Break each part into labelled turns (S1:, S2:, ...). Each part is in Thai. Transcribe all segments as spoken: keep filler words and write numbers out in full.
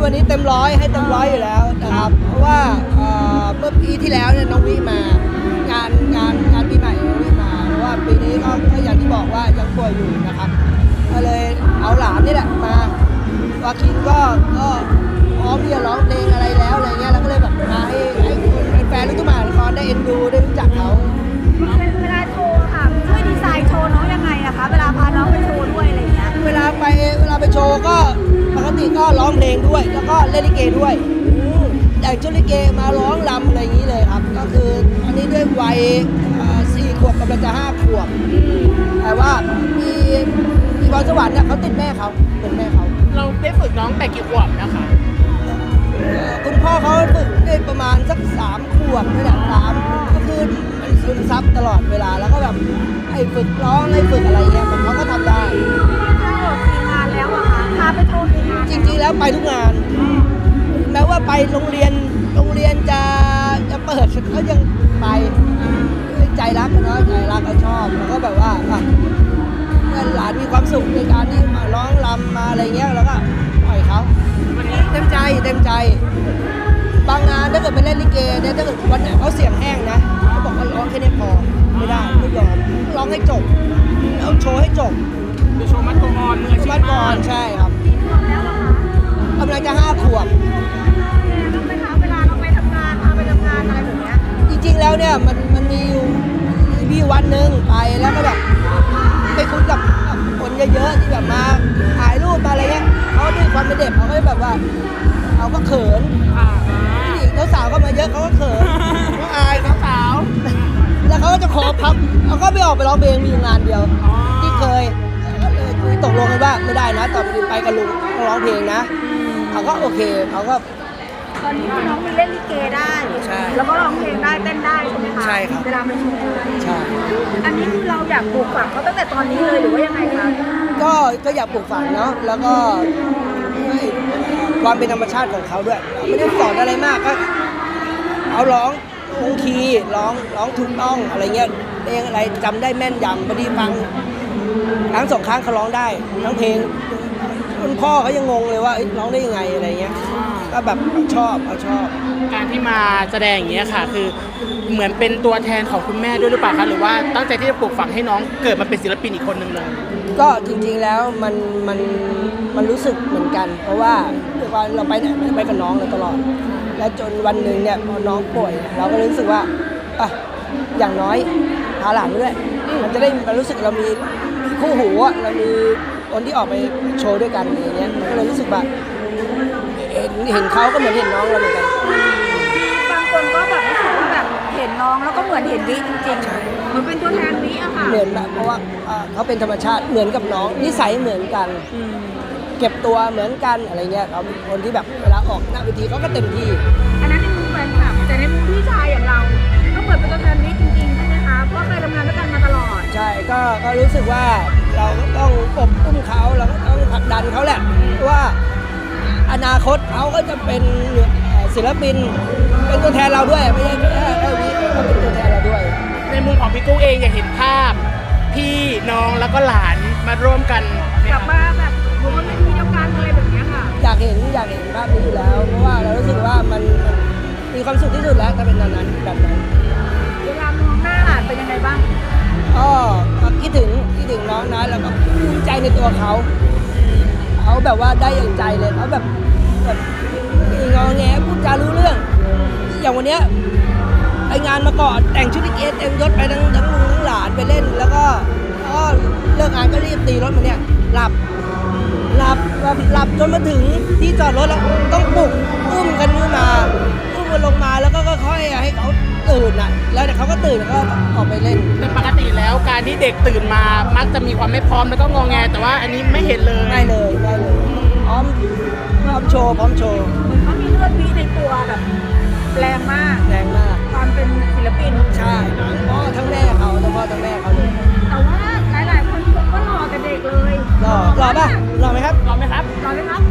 S1: วันนี้เต็มร้อยให้เต็มร้อยอยู่แล้วนะครับเพราะว่าเมื่อปีที่แล้วเนี่ยน้องวิมางานงานงานปีใหม่น้องวิมาเพราะว่าปีนี้ก็อย่างที่บอกว่ายังป่วยอยู่นะครับก็เลยเอาหลานนี่แหละมาวาคินก็ก็พร้อมที่จะร้องเพลงอะไรแล้วอะไรเงี้ยแล้วก็เลยแบบมาให้ให้คนแฟนลูกทุ่งมหานครได้เอ็นดูได้รู้จักเขา
S2: เวลาโชว์ค่ะช่วยดีไซน์โชว์น้องยังไงนะคะเวลาพาน้องไปโชว์ด้วยอะไรเงี้ย
S1: เวลาไปเวลาไปโชว์ก็ปกติก็ร้องเพลงด้วยแล้วก็เล่นลิเกด้วยแต่ชุดลิเกมาร้องรำอะไรอย่างนี้เลยครับก็คืออันนี้ด้วยวัยสี่ขวบกำลังจะห้าขวบแต่ว่ามีมีพรสวรรค์เนี่ยเขาติดแม่เขาเป็นแม่เขา
S3: เราได้ฝึกน้องแต่กี่ขวบนะคะ
S1: คุณพ่อเขาฝึกได้ประมาณสักสามขวบนี่แหละสามก็คือมันซึมซับตลอดเวลาแล้วก็แบบให้ฝึกร้องให้ฝึกอะไรเงี้ยมันเขาก็ทำได้
S2: ถ้าเกิดมีงานแล้วอะค่ะพาไปโชว์งาน
S1: จริงๆแล้วไปทุกงานแม้ว่าไปโรงเรียนโรงเรียนจะจะเปิดเขายังไปใจรักเนาะใจรักก็ชอบแล้วก็แบบว่าเมื่อหลานมีความสุขในการที่มาร้องรำมาอะไรเงี้ยแล้วก็ปล่อยเขาเต็มใจเต็มใจบางงานถ้าเกิดไปเล่นลิเกเนี่ยถ้าเกิดวันไหนเขาเสียงแห้งนะเขาบอกว่าร้องแค่นี้พอไม่ได้ไม่ยอมร้องให้จบเอาโชว์ให้จบ
S3: คือโชว์มัดตัวอ่อนมืออาชีพ
S1: มัดก่อนใช่ครับกำลังจะห้าขวบ
S2: ต้องไปหาเวลาเราไปทำงานพาไปทำงานอะไรแบบนี้
S1: จริงๆแล้วเนี่ยมันมันมีอยู่มีวันหนึ่งไปแล้วก็แบบไปคุยกับคนเยอะๆที่แบบมาถ่ายรูปมาอะไรเงี้ยเขาด้วยความเป็นเด็กเขาก็แบบว่าเขาก็เขินผู้หญิงสาวก็มาเยอะเขาก็เขินเขาอายเขาสาวแล้วเขาก็จะขอพับเขาก็ไม่ออกไปร้องเพลงมีงานเดียวที่เคยตกลงกันว่าไม่ได้นะต่อไปกับลุงต้องร้องเพลงนะเขาก็โอเคเขาก็
S2: ตอนนี้น้องมีเล่นลิเกได้แล้วก็ร้องเพลงได้เต้นได้ใช่ไหมคะ
S1: ใช่ครับ
S2: เวลาไปโชว์
S1: ใช่
S2: อันนี้คือเราอยากปลูกฝังเขาตั้งแต่ตอนนี้เลยหรือว่ายังไงคะ
S1: ก็ก็อยากปลูกฝังเนาะแล้วก็ความเป็นธรรมชาติของเขาด้วยไม่ได้สอนอะไรมากก็เอาร้องคงคีย์ร้องร้องถูกต้องอะไรเงี้ยเพลงอะไรจำได้แม่นยำพอดีฟังครั้งสองครั้งเขาร้องได้ทั้งเพลงคุณพ่อเขายังงงเลยว่าร้องได้ยังไงอะไรเงี้ยก็แบบชอบเขาชอบ
S3: การที่มาแสดงอย่างเงี้ยค่ะคือเหมือนเป็นตัวแทนของคุณแม่ด้วยหรือเปล่าคะหรือว่าตั้งใจที่จะปลูกฝังให้น้องเกิดมาเป็นศิลปินอีกคนหนึ่งเลย
S1: ก็จริงๆแล้วมันมันมันรู้สึกเหมือนกันเพราะว่าเราไปไหนไปกับน้องเลยตลอดและจนวันหนึ่งเนี่ยพอน้องป่วยเราก็รู้สึกว่าอ่ะอย่างน้อยพาหลานด้วยมันจะได้รู้สึกเรามีคู่หูอ่ะเรามีคนที่ออกไปโชว์ด้วยกันอย่างเงี้ยมันก็เลยรู้สึกว่าเห็นเห็นเขาก็เหมือนเห็นน้องเราเหมือนกัน
S2: บางคนก็แบบรู้สึกว่าแบบเห็นน้องแล้วก็เหมือนเห็นวิจริงๆมันเป็นตัวแทนวิอะค่ะ
S1: เหมือนแบบเพราะว่าเขาเป็นธรรมชาติเหมือนกับน้องนิสัยเหมือนกันเก็บตัวเหมือนกันอะไรเงี้ยเขาเป็นคนที่แบบเวลาออกหน้าเวทีเขาก็เต็มที่
S2: อันนั้นในมุมแฟนคลับแต่ในมุมพี่ชายอย่างเราก็เหมือนเป็นตัวแทนวิจริงๆใช่ไหมคะเพราะเคยทำงานด้วยกันมาตลอด
S1: ใช่ก็ก็รู้สึกว่าเราก็ต้องอบอุ้มเขาเราก็ต้องผลักดันเขาแหละว่าอนาคตเขาก็จะเป็นศิลปินเป็นตัวแทนเราด้วยไม่ใช่แค่แค่วิเขาเป็นตัวแทนเราด้วย
S3: ในมุมของพี่กุ้งเองอยากเห็นภาพพี่น้องแล้วก็หลานมาร่วมกัน
S2: กลับมาแบบอยู่บนเวทีเดียวกันอะไรแบบนี้ค่ะ
S1: อยากเห็นอยากเห็นภาพนี้อยู่แล้วเพราะว่าเรารู้สึกว่ามันมีความสุขที่สุดแล้วถ้าเป็นแบบนั้นแบบนั้น
S2: เวลามองหน้าหลานเป็นยังไงบ้าง
S1: ก็คิดถึงคิดถึงน้องนะแล้วก็ภูมิใจในตัวเขาเขาแบบว่าได้อย่างใจเลยเขาแบบแบบงอแงพูดจารู้เรื่องอย่างวันเนี้ยไปงานมาก่อนแต่งชุดลิเกเต็มยศไปทั้งทั้งลุงทั้งหลานไปเล่นแล้วก็ก็เลิกงานก็รีบตีรถมาเนี่ยหลับหลับแบบหลับจนมาถึงที่จอดรถแล้วต้องปลุกอุ้มกันขึ้นมาอุ้มกันลงมาแล้วก็ค่อยๆให้เขาตื่นอ่ะแล้วเดี๋ยวเขาก็ตื่นแล้วก็ออกไปเล่น
S3: แต่ปกติแล้วการที่เด็กตื่นมามักจะมีความไม่พร้อมแล้วก็งอแงแต่ว่าอันนี้ไม่เห็นเลย
S1: ไม่เลยไม่เลยพร้อมพร้อมโชว์พร้อมโชว์
S2: เหมือนเขามีเลือดวิในตัวแบบแรงมาก
S1: แรงมาก
S2: ความเป็นศิลปิน
S1: ใช่ทั้งพ่อทั้งแม่เขาทั้งพ่อทั้งแม่เขาเลย
S2: แต่ว่าหลายๆคนก็รอแต่เด็กเลย
S1: รอรอป่ะรอไหมครับ
S3: รอไหมครับ
S2: รอไหมครับ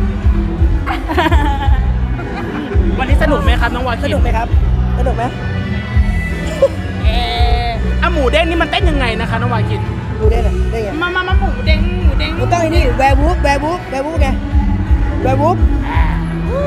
S3: วันนี้สนุกไหมครับน้องวาคิน
S1: สนุกไหมครับสนุกไหม
S3: เอออะหมูเด้งนี่มันเต้นยังไงนะคะน้องวาคิน
S1: หมูเด้งอะได้ไง
S3: มามามาหมูเด้งหมูเด้ง
S1: มันต้องไอ้นี่แวร์วูฟแวร์วูฟแวร์วูฟไงแวร์วูฟ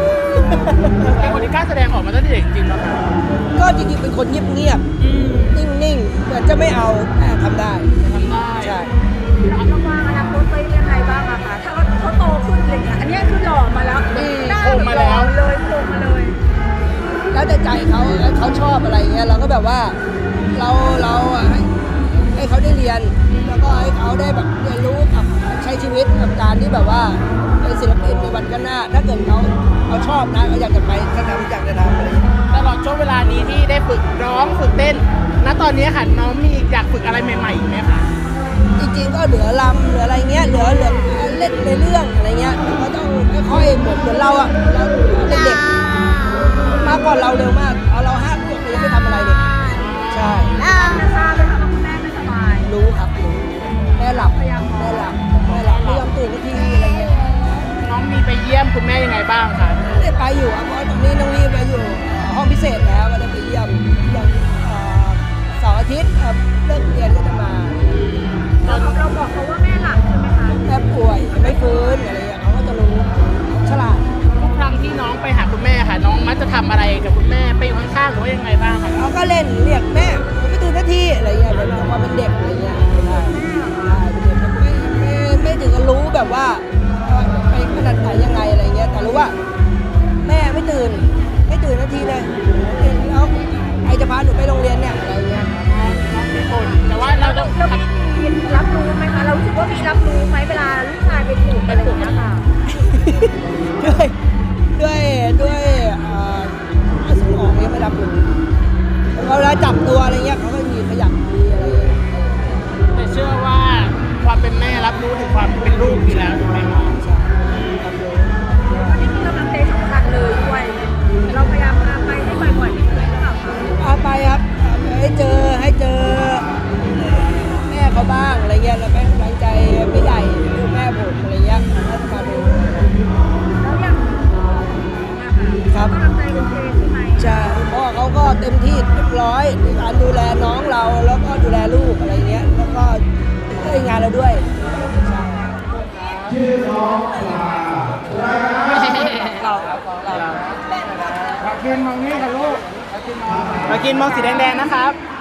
S3: เป็นคนที่กล้าแสดงออกมาตั้งแต่เด็กจริงๆแล้วค่ะ
S1: ก็จริงๆเป็นคนเงียบ
S3: อืม
S1: ๆนิ่งๆเหมือนจะไม่เอาแต่ทำได้
S3: ทำได้
S1: ใช่
S2: เราเราวางอนาคตไว้ยังไงบ้างอะคะถ้าเขาเขาโตขึ้นอะไรเงี้ยอันเนี้ยคือหล่อมาแล้วหน้าหล่อเลยโครงมาเลย
S1: แล้วแต่ใจเขาเขาชอบอะไรเงี้ยเราก็แบบว่าเราเราอะให้ให้เขาได้เรียน แล้วก็ให้เขาได้แบบเรียนรู้กับใช้ชีวิตกับการที่แบบว่าเป็นศิลปินในวันข้างหน้า ถ้าเกิดเขาเขาชอบนะเขาอยากจะไปก็ทำอยากจะทำอะไรอย่างเงี้ย
S3: ตลอดช่วงเวลานี้ที่ได้ฝึกร้องฝึกเต้น ณ ตอนนี้ค่ะน้องมีอยากฝึกอะไรใหม่ๆอีกไหมคะ
S1: จริงๆก็เหลือลำเหลืออะไรเงี้ยเหลือเหลือเล่นในเรื่องอะไรเงี้ยก็ต้องค่อยๆเหมือนเหมือนเราอะเราเด็กๆมากกว่าเราเร็วมากเอาเราห้าขวบเรายังไม่ทำอะไรเลยใช่
S2: จะทราบไหมคะว่าคุณแม่ไม่สบาย
S1: รู้ครับรู้แม่หลับแม่หลับแม่หลับไม่ยอมตื่นสักทีอะไรเงี้ย
S3: น้องมีไปเยี่ยมคุณแม่ยังไงบ้างคะ
S1: ไม่ได้ไปอยู่อ่ะเพราะตอนนี้น้องรีบไปอยู่ห้องพิเศษแล้วก็ได้ไปเยี่ยมอย่างเอ่อเสาร์อาทิตย์ครับเลิกเรียนก็จะมา
S2: เราเราบอกเขาว่าแม่หลับใช่ไหมคะ
S1: แม่ป่วยไม่ฟื้นอะไรเงี้ยเขาก็จะรู้ฉลาด
S3: ทุกครั้งที่น้องไปหาคุณแม่ค่ะ น้องมักจะทำอะไรกับคุณแม่ไปอยู่ข้างๆหรือว่ายังไงบ้างคะ
S1: เขาก็เล่นเรียกแม่ผมไม่ตื่นสักทีอะไรเงี้ยเป็นความเป็นเด็กอะไรเงี้ยใช่ใช่เป็นเด็กไม่ไม่ไม่ถึงกับรู้แบบว่าไปขนาดไหนยังไงอะไรเงี้ยแต่รู้ว่า แม่ไม่ตื่นไม่ตื่นนาทีเลยแล้วใครจะพาหนูไปโรงเรียนเนี่ยอะไรเงี้ย
S3: น้องมีคนแต่ว่าเราต้อง
S2: เรามีรับรู้ไหมคะเรารู้สึกว่ามีรับรู้ไหมเวลาลูกชายไปถูกอะไรอย่างเงี้ยค่ะ
S1: ด้วยด้วยด้วยเอ่อสมองเนี่ยไม่รับรู้แล้วเวลาจับตัวอะไรเงี้ยเขาก็มีขยับมีอะไรเงี้ย
S3: แต่เชื่อว่าความเป็นแม่รับรู้ถึงความเป็นลูกอยู่แล้วถูกไหมคะ
S1: ใช่รับรู้
S2: วันนี้มีกำลังใจสำคัญเลยด้วยเราพยายามพาไปให้บ่อยๆที่สุดหรือเปล่าคะ
S1: พาไปครับให้เจอให้เจอแม่เขาบ้างอะไรเงี้ยแล้วแม่กำลังใจไม่ใหญ่คือแม่ผมอะไรเงี้ยก็จะมาดู
S2: แล้วอย่างนะคะ
S1: ครับ
S2: กำลังใจโอเคใช่ไหม
S1: ใช่เพราะว่าเขาก็เต็มที่เรียบร้อยในการดูแลน้องเราแล้วก็ดูแลลูกอะไรเงี้ยแล้วก็ช่วยงานเราด้วยใช่
S3: เราเรามากินมองนี่ค่ะลูกมากินมองสีแดงๆนะครับ